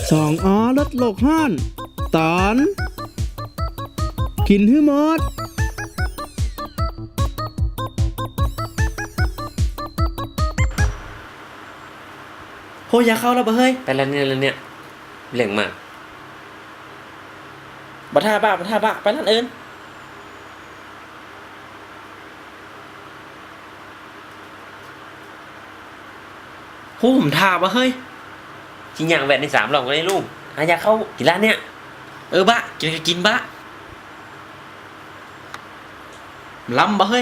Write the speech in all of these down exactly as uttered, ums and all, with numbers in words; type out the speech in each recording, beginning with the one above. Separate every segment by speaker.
Speaker 1: สองอ้อลดโลกห้อนตอนกินให้หมดโหอย่าเข้าแล้วบ่เฮ้ย
Speaker 2: ไปแล้วเนี่ยแล้วเนี่ยเหล่งมาก
Speaker 1: บัท่าบ้าบัท่าบ้าไปร้านอื่นโหผมท่าบ่เฮ้ย
Speaker 2: ชิ้นอย่างแหวนในสามหลอกกันได้ลูกหาอยากเข้ากี่ร้านเนี่ย
Speaker 1: เออบ้ากินก็กินบ้าล้ำบ่เฮ้ย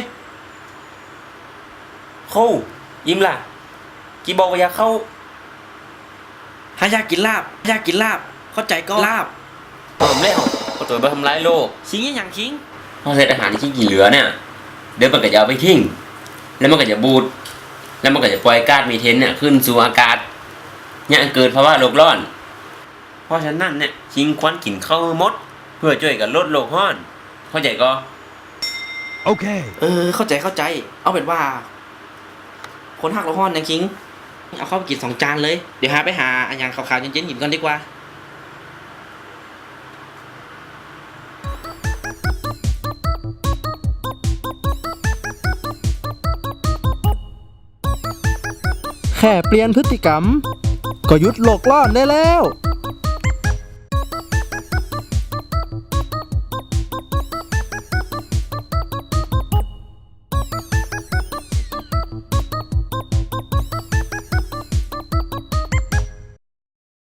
Speaker 2: เข้ายิ้มล่ะกี่บอกว่าอยากเข้า
Speaker 1: หาอยากกินลาบอยากกินลาบเข้าใจก็ลาบ
Speaker 2: หอมแล้วก็ตัวไปทำร้ายโลก
Speaker 1: ชิงอย่างชิง
Speaker 2: พอเศษอาหารที่ชิ้นกี่เหลือเนี่ยเดี๋ยวมันก็จะเอาไปทิ้งแล้วมันก็จะบูดแล้วมันก็จะปล่อยก๊าซมีเทนเนี่ยขึ้นสู่อากาศเนี่ยเกิดภาวะโลกร้อนเพราะฉะนั้นเนี่ยชิงควันกินข้าวมดเพื่อช่วยกันลดโลกร้อนเข้าใจก็
Speaker 1: โอเคเออเข้าใจเข้าใจเอาเป็นว่าคนหักโลกร้อนอย่างชิงเอาเข้าไปกินสองจานเลยเดี๋ยวหาไปหาอันยังขาวๆเย็นๆกินก่อนดีกว่าแค่เปลี่ยนพฤติกรรมก็หยุดโลกร้อนได้แล้ว